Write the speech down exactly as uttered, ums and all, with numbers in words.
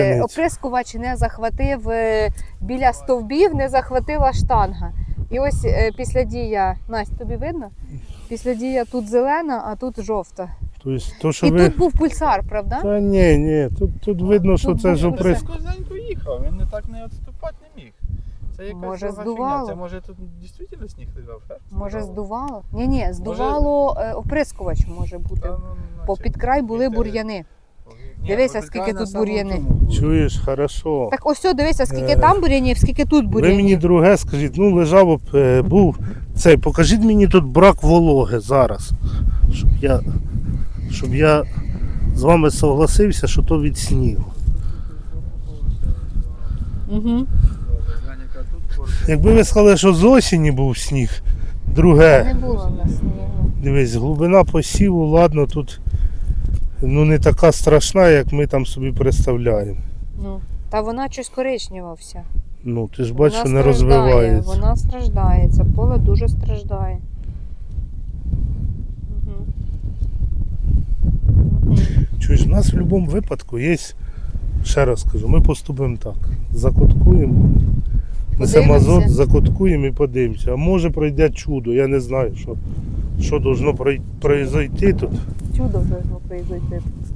Оприскувач не захватив е, біля стовбів, не захватила штанга. І ось е, після дія, Настя, тобі видно? Після дія тут зелена, а тут жовта. Тобто, то, що І ви... тут був пульсар, правда? Та ні, ні, тут, тут видно, що Тут це був ж пульсар. оприск. Козенько їхав, він не так не відступати не міг. Це якась Може, друга здувало? фігня. Це може тут дійсно сніг лежав? Шерсть Може лежала? здувало? Ні, ні, здувало е, оприскувач може бути. Та, ну, По наче. під край були Ні, бур'яни. Ні, Дивися, по скільки краю тут на самому бур'яни. цьому було. Чуєш, хорошо. Так ось, о, дивися, скільки Е, там бур'янів, скільки тут Ви мені бур'янів. друге скажіть, ну лежав, об, е, був цей, покажіть мені тут брак вологи зараз, щоб я, щоб я з вами согласився, що то від снігу. Угу. Глянь, яка тут корка. Якби ви сказали, що з осені був сніг, Не друге, було в нас снігу. дивись, глибина посіву, ладно, тут ну, не така страшна, як ми там собі представляємо. Ну, та вона щось коричнева вся. Ну, ти ж бачиш, що Вона не страждає, розвивається. Вона страждає, це поле дуже страждає. Угу. Угу. Чуєш, в нас в будь-якому випадку є, ще раз кажу, ми поступимо так. Закоткуємо, несемо Подивимося. азот, закоткуємо і подивимося. А може пройде чудо, я не знаю, що, що должно прой- произойти тут. Чудо должно произойти.